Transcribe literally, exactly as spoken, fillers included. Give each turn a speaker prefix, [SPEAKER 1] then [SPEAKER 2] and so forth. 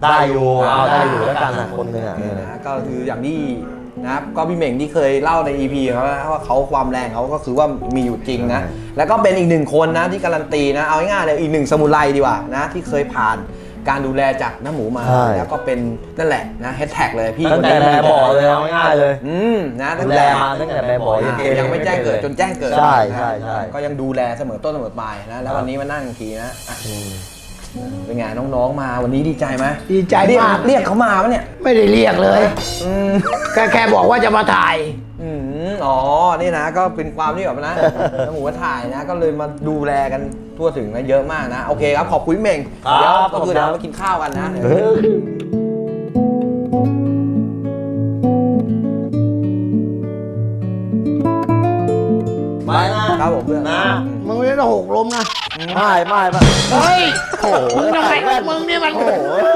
[SPEAKER 1] ได้อยู่เอาได้อยู่แล้วกันนะคนหนึ่งอ่ะ
[SPEAKER 2] ก็คืออย่างที่นะครับก็พี่เหม่งที่เคยเล่าใน อี พี เขาว่าเขาความแรงเขาก็คือว่ามีอยู่จริงนะแล้วก็เป็นอีกหนึ่งคนนะที่การันตีนะเอาง่ายๆเลยอีกหนึ่งสมุไรดีกว่านะที่เคยผ่านการดูแลจากน้าหมูมาแล้วก็เป็นนั่นแหละนะแฮชแท็กเลยพี่
[SPEAKER 1] ตั้งแต่แบบบ่อเลยเอาง่ายเลย
[SPEAKER 2] อืมนะตั้ง
[SPEAKER 1] แต่
[SPEAKER 2] แต่
[SPEAKER 1] มาตั้งแต่แบบบ่อ
[SPEAKER 2] ยังไม่แจ้งเกิดจนแจ้งเกิด
[SPEAKER 1] ใช่ใช่ใช่
[SPEAKER 2] ก็ยังดูแลเสมอต้นเสมอปลายนะแล้ววันนี้มานั่งทีนะเป็นไงน้องๆมาวันนี้ดีใจไหม
[SPEAKER 3] ดีใจมาก
[SPEAKER 2] เรียกเขามาปะเนี่ย
[SPEAKER 3] ไม่ได้เรียกเลยแค่แค่บอกว่าจะมาถ่าย
[SPEAKER 2] อืมอ๋อนี่นะก็เป็นความที่แบบนะน้าหมูว่าถ่ายนะก็เลยมาดูแลกันทั่วถึงนะเยอะมากนะโอเคครับขอบคุณเม่งเดี๋ยวก็คือเดี๋ยวมากินข้าวกันนะ
[SPEAKER 1] ไปนะครับ
[SPEAKER 2] ผมเพื่อน
[SPEAKER 1] นะ
[SPEAKER 3] มึงไม่ได้หกล้มนะ
[SPEAKER 1] ไม่ไม่ไม่
[SPEAKER 3] เฮ้ย
[SPEAKER 1] โอ้โห
[SPEAKER 3] มึงทำไมมึงนี่มัน